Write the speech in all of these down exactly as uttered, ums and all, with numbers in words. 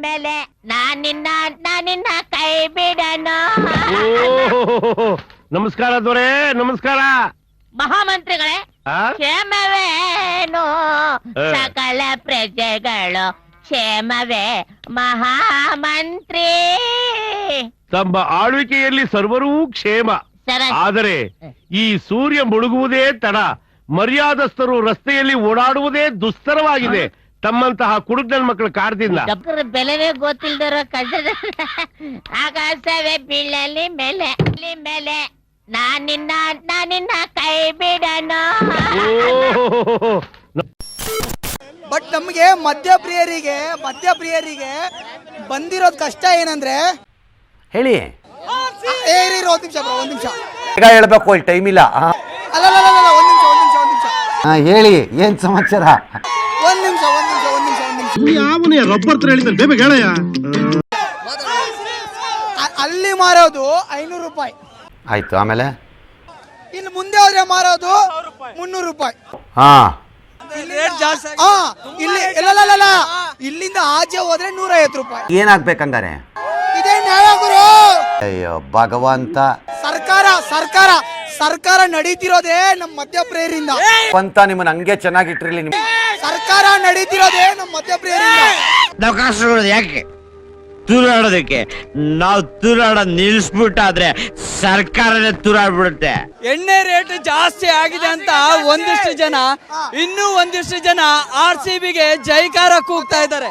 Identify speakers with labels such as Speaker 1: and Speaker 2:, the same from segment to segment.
Speaker 1: ಮೇಲೆ ನಾನಿನ್ನ ನಾನಿನ್ನ ಕೈ ಬಿಡನು.
Speaker 2: ನಮಸ್ಕಾರ ದೊರೆ, ನಮಸ್ಕಾರ.
Speaker 1: ಮಹಾಮಂತ್ರಿಗಳೇ, ಕ್ಷೇಮವೇನು ಸಕಲ ಪ್ರಜೆಗಳು ಕ್ಷೇಮವೇ ಮಹಾಮಂತ್ರಿ.
Speaker 2: ತಮ್ಮ ಆಳ್ವಿಕೆಯಲ್ಲಿ ಸರ್ವರೂ ಕ್ಷೇಮ. ಆದರೆ ಈ ಸೂರ್ಯ ಮುಳುಗುವುದೇ ತಡ, ಮರ್ಯಾದಸ್ಥರು ರಸ್ತೆಯಲ್ಲಿ ಓಡಾಡುವುದೇ ದುಸ್ತರವಾಗಿದೆ ತಮ್ಮಂತಹ ಕುಡುಕನ ಮಕ್ಕಳ ಕಾರಣದಿಂದ.
Speaker 1: ಬೆಲೆನೇ ಗೊತ್ತಿಲ್ದಿರೋ ಕಷ್ಟ ಆಕಾಶವೇ ಬೀಳಲಿ ಮೇಲೆ ಮೇಲೆ ನಾನಿನ್ನ ನಾನಿನ್ನ ಕೈ ಬಿಡನು.
Speaker 3: ಬಟ್ ನಮ್ಗೆ ಮದ್ಯಪ್ರಿಯರಿಗೆ ಮದ್ಯಪ್ರಿಯರಿಗೆ ಬಂದಿರೋದ್ ಕಷ್ಟ ಏನಂದ್ರೆ
Speaker 4: ಹೇಳಿ.
Speaker 3: ಏರಿ ಒಂದ್ ನಿಮಿಷ ಬ್ರೋ, ಒಂದ್ ನಿಮಿಷ
Speaker 4: ಈಗ ಹೇಳ್ಬೇಕು, ಇಲ್ಲಿ ಟೈಮ್ ಇಲ್ಲ.
Speaker 3: ಅಲ್ಲ ಅಲ್ಲ ಅಲ್ಲ ಒಂದ್ ನಿಮಿಷ ಒಂದ್ ನಿಮಿಷ ಒಂದ್ ನಿಮಿಷ
Speaker 4: ಹೇಳಿ, ಏನ್ ಸಮಾಚಾರ?
Speaker 3: ಒಂದ್ ನಿಮಿಷ ಒಂದ್ ನಿಮಿಷ ಒಂದ್ ನಿಮಿಷ ಒಂದ್ ನಿಮಿಷ
Speaker 2: ಯಾವನೇ ರಬ್ಬರ್ ತರ ಹೇಳಿದ್ರೆ ಬೇಗ ಹೇಳಯ್ಯ.
Speaker 3: ಅಲ್ಲಿ ಮಾರೋದು ಐನೂರು ರೂಪಾಯಿ
Speaker 4: ಆಯ್ತು, ಆಮೇಲೆ
Speaker 3: ಇನ್ನು ಮುಂದೆ ಹೋದ್ರೆ ಮಾರೋದು ಮುನ್ನೂರು ರೂಪಾಯಿ.
Speaker 4: ಹಾ
Speaker 3: ಇಲ್ಲಿ ಇಲ್ಲ ಇಲ್ಲಿಂದ ಆಚೆ ಹೋದ್ರೆ ನೂರ ಐವತ್ತು ರೂಪಾಯಿ.
Speaker 4: ಏನಾಗ್ಬೇಕಂಗಾರೆ?
Speaker 3: ಇದೇ ನ್ಯಾಯ ಗುರು.
Speaker 4: ಅಯ್ಯೋ ಭಗವಂತ,
Speaker 3: ಸರ್ಕಾರ ಸರ್ಕಾರ ಸರ್ಕಾರ ನಡೀತಿರೋದೇ ನಮ್ಮ ಮದ್ಯಪ್ರಿಯರಿಂದ.
Speaker 4: ಅಂತ ನಿಮ್ಮನ್ನ ಹಂಗೆ ಚೆನ್ನಾಗಿಟ್ರಿಲಿ. ನಿಮ್
Speaker 3: ಸರ್ಕಾರ ನಡೀತಿರೋದೇ ನಮ್ಮ ಮದ್ಯಪ್ರಿಯರಿಂದ.
Speaker 5: ಅವಕಾಶಗಳು ಯಾಕೆ ತೂರಾಡೋದಕ್ಕೆ? ನಾವು ತೂರಾಡೋದ್ ನಿಲ್ಸ್ಬಿಟ್ಟಾದ್ರೆ ಸರ್ಕಾರನೇ ತೂರಾಡ್ಬಿಡುತ್ತೆ.
Speaker 6: ಎಣ್ಣೆ ರೇಟ್ ಜಾಸ್ತಿ ಆಗಿದೆ ಅಂತ ಒಂದಿಷ್ಟು ಜನ, ಇನ್ನೂ ಒಂದಿಷ್ಟು ಜನ ಆರ್ ಸಿ ಬಿಗೆ ಜೈಕಾರ ಕೂಗ್ತಾ ಇದ್ದಾರೆ.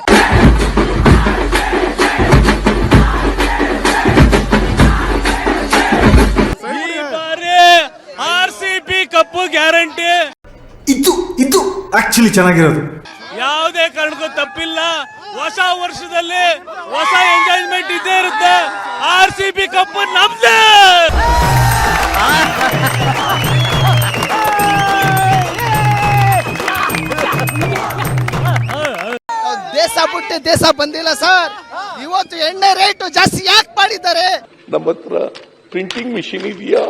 Speaker 6: R C B cup guarantee.
Speaker 7: ಇದು ಇದು ಆಕ್ಚುಲಿ ಚೆನ್ನಾಗಿರೋದು.
Speaker 6: ಯಾವುದೇ ಕಾರಣಕ್ಕೂ ತಪ್ಪಿಲ್ಲ. ಹೊಸ ವರ್ಷದಲ್ಲಿ ಹೊಸ ಎಂಜಾಯ್ಮೆಂಟ್ ಇದ್ದೇ ಇರುತ್ತೆ. ಆರ್ ಸಿ ಬಿ ಕಪ್ ನಮ್ದೇ.
Speaker 3: ದೇಶ ಬಿಟ್ಟು ದೇಶ ಬಂದಿಲ್ಲ ಸರ್. ಇವತ್ತು ಎಣ್ಣೆ ರೇಟ್ ಜಾಸ್ತಿ ಯಾಕೆ ಮಾಡಿದ್ದಾರೆ?
Speaker 8: ನಮ್ಮ ಹತ್ರ ಪ್ರಿಂಟಿಂಗ್ ಮಿಷಿನ್ ಇದೆಯಾ?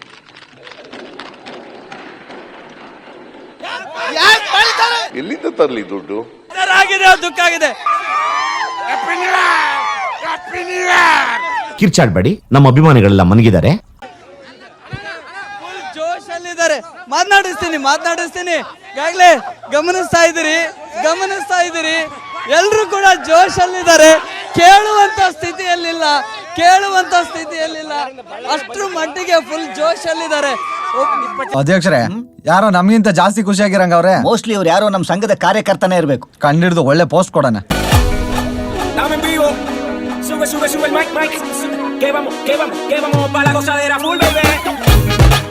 Speaker 3: ಯಾಕೆ ಮಾಡಿದ್ದಾರೆ?
Speaker 8: ಎಲ್ಲಿಂದ ತರಲಿ ದುಡ್ಡು?
Speaker 6: ಆಗಿದೆ, ದುಃಖ ಆಗಿದೆ.
Speaker 9: ಕಿರ್ಚಾಡ್ಬೇಡಿ, ನಮ್ಮ ಅಭಿಮಾನಿಗಳೆಲ್ಲ ಮನಗಿದ್ದಾರೆ.
Speaker 6: ಫುಲ್ ಜೋಶ್ ಅಲ್ಲಿದ್ದಾರೆ. ಮಾತನಾಡಿಸ್ತೀನಿ ಮಾತನಾಡಿಸ್ತೀನಿ ಈಗಾಗಲೇ ಗಮನಿಸ್ತಾ ಇದ್ದೀರಿ ಗಮನಿಸ್ತಾ ಇದ್ದೀರಿ ಎಲ್ರು ಕೂಡ ಜೋಶ್ ಅಲ್ಲಿದ್ದಾರೆ. ಕೇಳುವಂತ ಸ್ಥಿತಿಯಲ್ಲಿಲ್ಲ ಕೇಳುವಂತ ಸ್ಥಿತಿಯಲ್ಲಿಲ್ಲ ಅಷ್ಟ್ರ ಮಟ್ಟಿಗೆ ಫುಲ್ ಜೋಶ್ ಅಲ್ಲಿದ್ದಾರೆ.
Speaker 7: ಅಧ್ಯಕ್ಷರೇ, ಯಾರೋ ನಮ್ಗಿಂತ ಜಾಸ್ತಿ ಖುಷಿಯಾಗಿರಂಗ ಅವ್ರೆ.
Speaker 10: ಮೋಸ್ಟ್ಲಿ ಅವ್ರು ಯಾರೋ ನಮ್ಮ ಸಂಘದ ಕಾರ್ಯಕರ್ತನೇ ಇರಬೇಕು.
Speaker 7: ಕಂಡಿಡ್ದು ಒಳ್ಳೆ ಪೋಸ್ಟ್ ಕೊಡೋಣ.
Speaker 11: Sube, sube, sube el mic, mic. Que vamos, que vamos, que vamos para la gozadera full, baby.